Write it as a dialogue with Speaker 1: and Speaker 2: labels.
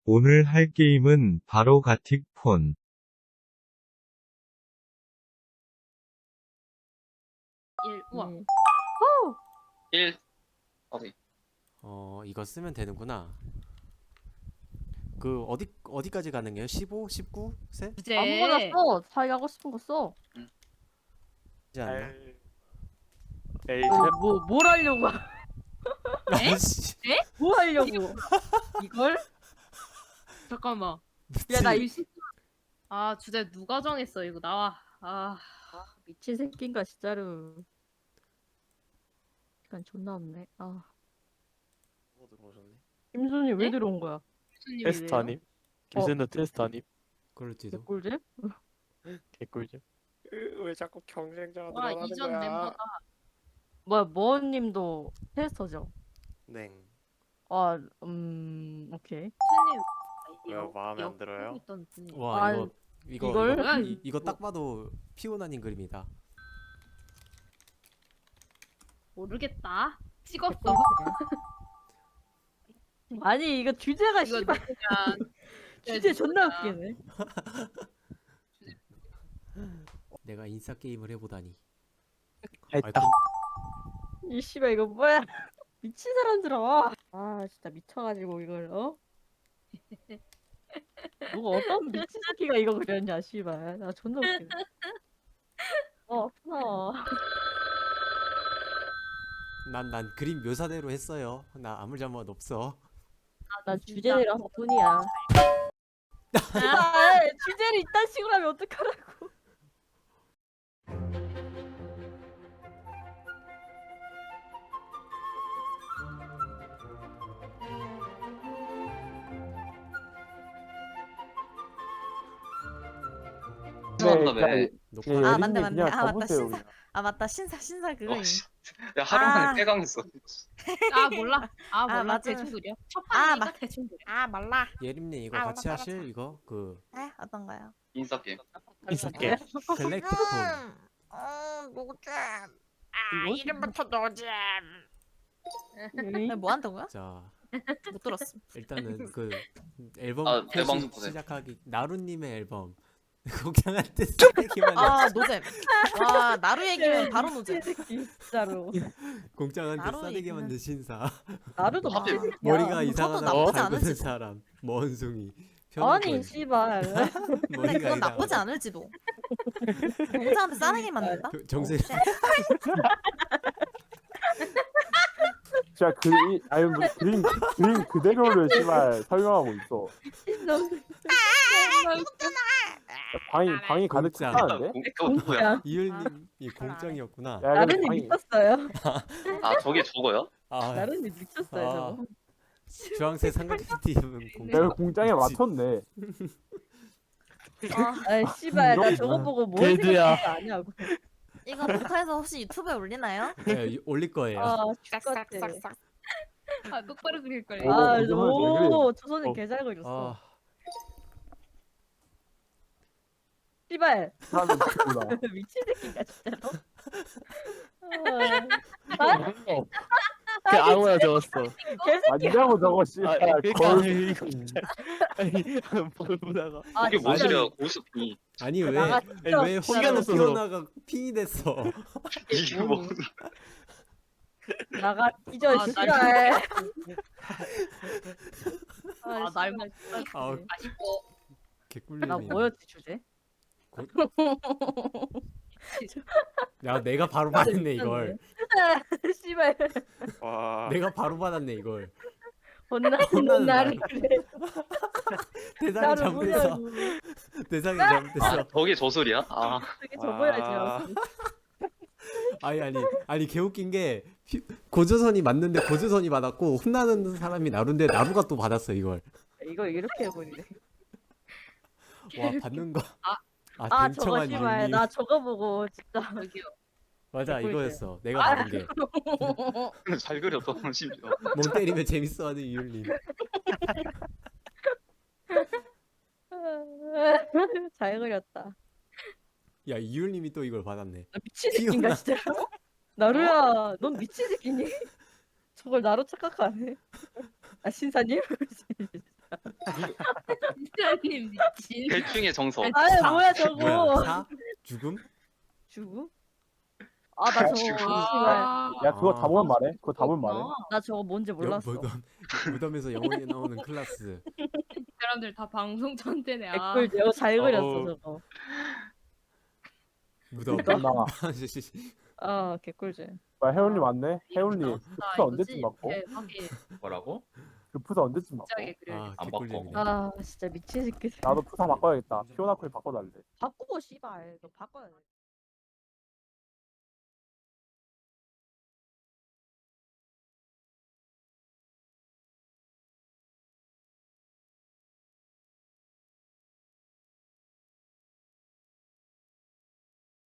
Speaker 1: 오늘 할 게임은 바로 가틱폰.
Speaker 2: 우와.
Speaker 3: 네.
Speaker 4: 1 어디?
Speaker 5: 이거 쓰면 되는구나. 그 어디까지 가능해요? 15, 19 세?
Speaker 2: 주제.
Speaker 3: 아무거나 써. 자기 하고 싶은 거 써.
Speaker 5: 하지 않나?
Speaker 6: 에이,
Speaker 3: 뭘 하려고?
Speaker 2: 에?
Speaker 5: 아씨.
Speaker 3: 뭐 하려고? 이걸?
Speaker 2: 잠깐만.
Speaker 3: 야, 나
Speaker 2: 의심. 아, 주제 누가 정했어? 이거 나와. 아,
Speaker 3: 미친 새끼인가 진짜로. 시간 존나 없네. 아,
Speaker 6: 뭐 들어오셨네.
Speaker 3: 김순이 왜
Speaker 2: 네?
Speaker 3: 들어온 거야?
Speaker 2: 교수님이래요.
Speaker 6: 테스터님, 김센더 테스터님,
Speaker 5: 그럴지도.
Speaker 3: 개꿀잼?
Speaker 6: 개꿀잼. 왜 자꾸 경쟁자가
Speaker 2: 와,
Speaker 6: 늘어나는
Speaker 2: 이전
Speaker 6: 거야?
Speaker 2: 멤버다.
Speaker 3: 뭐야, 머님도 테스터죠?
Speaker 6: 네.
Speaker 3: 아, 오케이.
Speaker 2: 교수님.
Speaker 6: 왜요? 마음에 안 들어요?
Speaker 2: 있던 분이.
Speaker 5: 와
Speaker 3: 아,
Speaker 5: 이거
Speaker 3: 이걸?
Speaker 5: 이거, 이거 딱 봐도 피오나님 그림이다.
Speaker 2: 모르겠다. 찍었어.
Speaker 3: 아니, 이거 주제가
Speaker 2: 이거
Speaker 3: 씨발
Speaker 2: 누구냐?
Speaker 3: 주제 존나 웃기네.
Speaker 5: 내가 인싸 게임을 해보다니.
Speaker 6: 했다.
Speaker 3: 이 씨발 이거 뭐야? 미친 사람들아. 아, 진짜 미쳐가지고 이걸 누가 어떤 미친 새끼가 이거 그렸냐, 씨발. 나 존나 웃기네. 아프다.
Speaker 5: 난 그림 묘사대로 했어요. 나 아무 잘못 없어.
Speaker 3: 난 주제대로 한 뿐이야. 아, 주제를 이딴 식으로 하면 어떡하라고.
Speaker 4: 죄송한다며.
Speaker 5: 녹화.
Speaker 7: 아, 맞네, 맞네.
Speaker 6: 그냥
Speaker 7: 아, 맞다.
Speaker 6: 가보세요,
Speaker 7: 신사. 아, 맞다. 신사 그거.
Speaker 4: 야, 하루 만에
Speaker 7: 아.
Speaker 4: 폐강했어.
Speaker 2: 아, 몰라. 아, 몰라.
Speaker 7: 맞아.
Speaker 2: 대충 그려. 첫
Speaker 7: 아,
Speaker 2: 판이니까 대충 그려.
Speaker 7: 아, 말라.
Speaker 5: 예림님 이거
Speaker 7: 아,
Speaker 5: 같이
Speaker 7: 알았어,
Speaker 5: 하실 이거 그
Speaker 7: 어떤 거요?
Speaker 4: 인싸 게임.
Speaker 6: 인싸게.
Speaker 5: 갤렉틱폰.
Speaker 7: 노잼.
Speaker 3: 이거?
Speaker 7: 이름부터 노잼. 뭐 한다고요?
Speaker 5: 자
Speaker 7: 못 들었어.
Speaker 5: 일단은 그 앨범
Speaker 4: 아,
Speaker 5: 표시
Speaker 4: 앨범 보세요.
Speaker 5: 시작하기 나루님의 앨범 공장한테 쓰레기만
Speaker 7: 아, 노잼. 와, 나루 얘기면 바로 노잼.
Speaker 3: 미친 새끼, 진짜로.
Speaker 5: 공장한테
Speaker 7: 나루
Speaker 5: 싸대기
Speaker 7: 얘기는.
Speaker 5: 만든 신사
Speaker 3: 나루도
Speaker 4: 하필
Speaker 3: 미친 새끼야.
Speaker 5: 머리가 이상하다고
Speaker 7: 나쁘지
Speaker 5: 갈구는
Speaker 7: 않을지도.
Speaker 5: 사람 원숭이
Speaker 3: 아니,
Speaker 5: 편의권
Speaker 3: 씨발.
Speaker 7: 근데
Speaker 5: 머리가
Speaker 7: 그건 나쁘지
Speaker 5: 이상하다
Speaker 7: 않을지도. 공자한테 싸대기 만든다?
Speaker 5: 정세
Speaker 6: 진짜 아니 뭐 그림 그대로를 씨발 설명하고 있어.
Speaker 3: 미친놈.
Speaker 6: 방이 가득
Speaker 5: 공짜.
Speaker 6: 차는데?
Speaker 4: 그거 뭐야?
Speaker 5: 이율님이 공장이었구나
Speaker 6: 야, 근데
Speaker 3: 나른이
Speaker 6: 방이
Speaker 3: 미쳤어요.
Speaker 4: 아, 저게 저거요?
Speaker 5: 아
Speaker 3: 나른이 미쳤어요, 저거.
Speaker 5: 주황색 삼각형팀은
Speaker 6: 내가
Speaker 5: 공장
Speaker 6: 공장에 맞췄네.
Speaker 3: 아이, 씨발, 나 저거 보고 뭘
Speaker 6: 개드야.
Speaker 3: 생각하는 거 아니야고.
Speaker 7: 이거 녹화해서 혹시 유튜브에 올리나요?
Speaker 5: 네, 올릴 거예요
Speaker 3: 아, 죽겠다.
Speaker 7: 싹싹싹싹.
Speaker 2: 아, 똑바로 그릴 걸.
Speaker 6: 어.
Speaker 3: 아,
Speaker 6: 이거는 왜
Speaker 3: 오, 조선은
Speaker 6: 어.
Speaker 3: 개잘 그렸어.
Speaker 5: 아
Speaker 3: 씨발,
Speaker 6: 사람은 누구나.
Speaker 3: 미친 새끼인가, 진짜로? 아,
Speaker 8: 그 아무나 적었어.
Speaker 3: 개새끼야.
Speaker 6: 아니냐고 저거 씨발. 거울
Speaker 8: 이거 아니 보다가
Speaker 3: 아,
Speaker 4: 이게 뭔
Speaker 3: 진짜.
Speaker 4: 소리야? 고스피.
Speaker 5: 아니
Speaker 3: 나가
Speaker 5: 왜
Speaker 3: 진짜.
Speaker 5: 혼자
Speaker 8: 없어서.
Speaker 5: 피오나가 핑이 됐어
Speaker 4: 이게 뭐?
Speaker 3: 나가 뒤져,
Speaker 2: 아,
Speaker 3: 씨발.
Speaker 2: 아, 날 먹.
Speaker 5: 아
Speaker 2: 맛있고.
Speaker 5: 개꿀잼이
Speaker 3: 나 뭐였지, 주제?
Speaker 5: 야 내가 바로 받았네 이걸
Speaker 3: 씨발,
Speaker 6: 와.
Speaker 5: 내가 바로 받았네 이걸
Speaker 3: 혼나는
Speaker 5: 혼나는
Speaker 3: 나를
Speaker 5: 날.
Speaker 3: 그래.
Speaker 5: 대상이
Speaker 3: 나를
Speaker 5: 잘못했어
Speaker 3: 뭐냐고.
Speaker 5: 대상이
Speaker 4: 아,
Speaker 5: 잘못했어
Speaker 4: 저게 저 소리야? 아,
Speaker 3: 그게 접어야죠.
Speaker 5: 아니 개웃긴 게 고조선이 맞는데 고조선이 받았고 혼나는 사람이 나루인데 나루가 또 받았어 이걸
Speaker 3: 이거 이렇게 해버리네.
Speaker 5: 와 받는 거
Speaker 3: 아, 저거
Speaker 5: 댕청한
Speaker 3: 씨발,
Speaker 5: 윤리
Speaker 3: 나 저거 보고 진짜.
Speaker 2: 저기요.
Speaker 5: 맞아
Speaker 3: 개꿀잼.
Speaker 5: 이거였어 내가 받은 게
Speaker 4: 잘 그렸어, 심지어.
Speaker 5: 멍 때리면 재밌어하는 이율님
Speaker 3: 잘 그렸다.
Speaker 5: 야 이율님이 또 이걸 받았네
Speaker 3: 나 미친 새끼인가 진짜? 나루야, 넌 미친 새끼니? 저걸 나로 착각하네. 아, 신사님?
Speaker 2: 미라님 미친.
Speaker 4: 대충의 정석.
Speaker 3: 아니 뭐야 저거.
Speaker 5: 뭐야? 사? 죽음?
Speaker 3: 죽음? 아 나 저거
Speaker 4: 죽음.
Speaker 3: 씨발.
Speaker 6: 야 그거 다 보면
Speaker 2: 아,
Speaker 6: 말해. 그거 다 보면 말해.
Speaker 3: 나 저거 뭔지 몰랐어.
Speaker 5: 무덤에서 영원히 나오는 클라스.
Speaker 2: 사람들 다 방송 전대네. 아.
Speaker 3: 댓글 내가 잘 그렸어
Speaker 6: 어우.
Speaker 3: 저거.
Speaker 5: 무덤.
Speaker 6: 나
Speaker 3: 아 개꿀잼.
Speaker 6: 뭐야 해운님 왔네. 해운님 그
Speaker 2: 아,
Speaker 6: 푸사 언제쯤
Speaker 2: 이거지?
Speaker 6: 맞고?
Speaker 2: 네, 하긴
Speaker 4: 뭐라고?
Speaker 6: 그 푸사 언제쯤 맞고?
Speaker 2: 진작에 그래.
Speaker 5: 아
Speaker 4: 안
Speaker 5: 개꿀잼이네.
Speaker 3: 아 진짜 미친 새끼.
Speaker 6: 나도 푸사 바꿔야겠다. 피오나콜 바꿔달래.
Speaker 3: 바꾸고 씨발 너 바꿔야 돼.